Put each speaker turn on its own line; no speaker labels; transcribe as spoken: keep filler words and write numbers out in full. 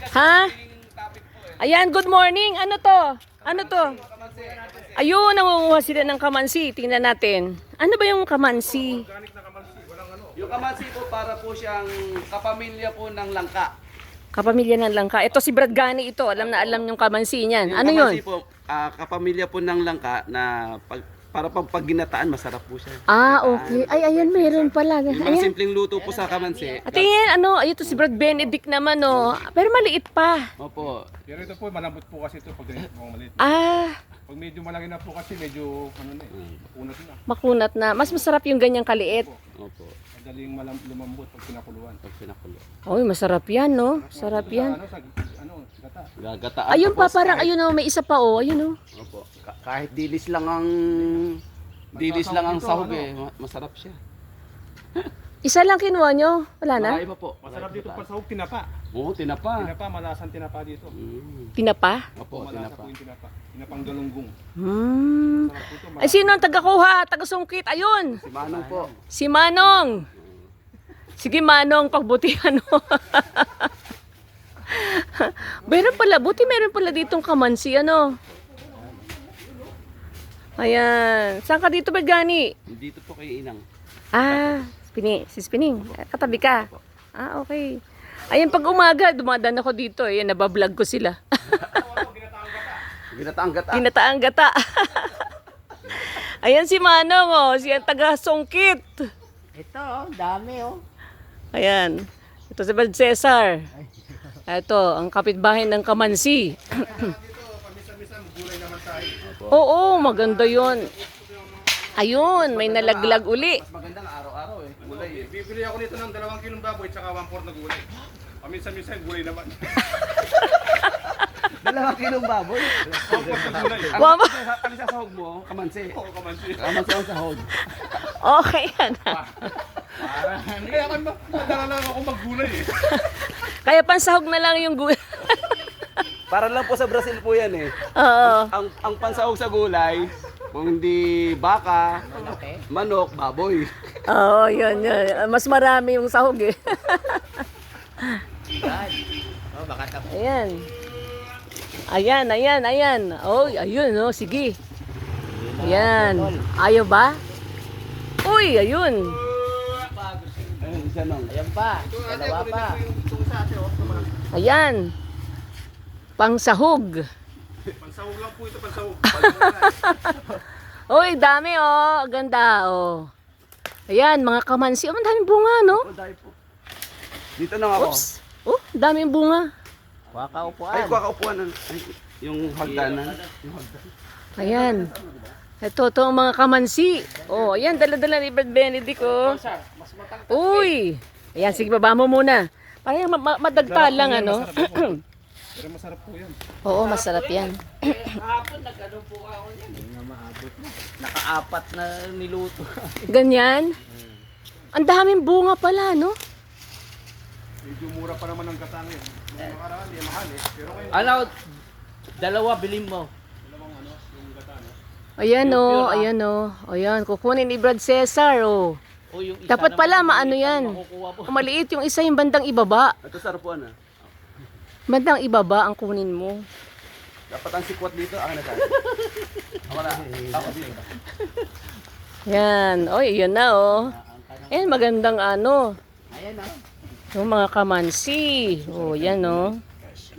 Ha? Ayan, good morning. Ano to? Ano to? Ayun, nangunguha sila ng kamansi. Tingnan natin. Ano ba yung kamansi?
Yung kamansi po para po siyang kapamilya po ng langka.
Kapamilya ng langka. Ito si Brad Gani ito. Alam na alam yung kamansi niyan.
Yung
Ano yun?
kamansi po, ah, kapamilya po ng langka na pag, para pag pagginataan, masarap po siya.
Ah, okay. Ay, ayan, meron pala.
Yung mga
Ayan.
simpleng luto po sa kamansi.
At ayan, ano, ayun to si Brad Benedict naman, oh. Pero maliit pa.
Opo.
Pero ito po, malambot po kasi ito pag ganito po maliit.
Ah,
Pag medyo malaki na po kasi medyo ano na eh, makunat na.
makunat na. Mas masarap yung ganyang kaliit.
Opo.
Madaling malam lumambot pag pinakuluan.
Pag pinakulo.
Oy, masarap yan, no? Sarap
Sa
yan.
ano, sa ano, gata.
Gagataan.
Ayun pa,
tapos
parang,
kahit-
ayun, oh, may isa pa, oh. Ayun, oh.
Opo. Ka- kahit dilis lang ang dilis lang ang sahog eh, ma- masarap siya.
Isa lang kinuha nyo? Wala na?
Marami pa po.
Masarap dito pa sa hug, tinapa.
Oo, tinapa.
Tinapa, malasan tinapa dito.
Mm.
Tinapa?
Opo,
Malasa
tinapa.
po yung tinapa. Tinapang galunggong.
Hmm.
Sarap po ito.
Ay, sino ang taga-kuha? Taga-sungkit? Ayun!
Si Manong po.
Si Manong! Sige, Manong, pagbutihan mo. Meron pala, buti meron pala ditong kamansi, ano? Ayan. Saan ka dito, Bagani?
Dito po kay Inang.
Ah, Spini, si Spining. Katabi ka. Ah, okay. Ayan, pag umaga, dumadaan ako dito. Ayan, nabablog ko sila.
Ginataang gata.
Tinataang gata. Ayan si Manong, oh. Siya taga-sungkit.
Ito, oh, dami oh.
Ayan. Ito si Brad Cesar. Ito, ang kapitbahay ng kamansi. Oo, maganda yon. Ayun, may nalaglag uli.
Mas magandang araw-araw eh. Gulay eh.
Bibili ako nito ng dalawang kilong baboy at saka one fourth na gulay. Paminsan-minsan gulay naman.
Dalawang kilong baboy.
one fourth na gulay.
Ang
Wama.
ano sa sahog mo? Kamansi.
Oo, kamansi.
Kamansi ang sahog.
Okay yan.
Kaya kan madala lang ako maggulay eh.
Kaya pansahog na lang yung gulay.
Para lang po sa Brazil po yan eh.
Oo.
Ang ang pansahog sa gulay, kung hindi baka, manok, baboy.
Oo, yun, yun. Mas marami yung sahog eh.
Yan. Oh, baka tapos.
Ayan. Ayan, ayan, ayan. Oh, ayun, oh, sige. Ayan. Ayaw ba? Uy, ayun.
Ayun, isa nung.
Ayan pa, dalawa pa.
Ayan. Pangsahog.
Pansahog lang po ito, pansahog.
Uy, dami oh. Ganda oh. Ayan, mga kamansi. Oh, ang daming bunga, no?
Oh, dahil po. Dito na ako.
Oops. Oh, daming bunga.
Wakaupuan.
Ay, kuha ka upuan. Ay, yung hagdanan. Yung hagdanan.
Ayan. Ito, ito ang mga kamansi. Oh, ayan, dala-dala ni Brad Benedict, oh. Uy. Ayan, sige, baba mo muna. Parang ma- ma- madagta lang, ano?
Pero masarap po yan.
Oo, masarap yan.
Nakaapat na niluto.
Ganyan. Ang daming bunga pala, no?
Medyo mura pa naman ang katang yun. Yung nakaraan, di mahal eh. Pero ngayon,
Ano, dalawa bilhin mo.
dalawang ano, yung gata no.
Ayan, oh. Ayan, oh. Ayan, kukunin ni Brad Cesar, oh.
O yung isa
Dapat
naman,
pala,
yung
maano
maliit
yan.
ang makukuha mo.
Kung maliit yung isa, yung bandang ibaba.
Ito sa upuan ah.
Bandang ibaba ang kunin mo.
Dapat ang sikwat dito, akin na tayo. Ako na. Ako dito.
Yan. Oy, yun na, oh. Ayan, magandang ano.
Ayan oh.
Yung mga kamansi. Oh, yan, oh.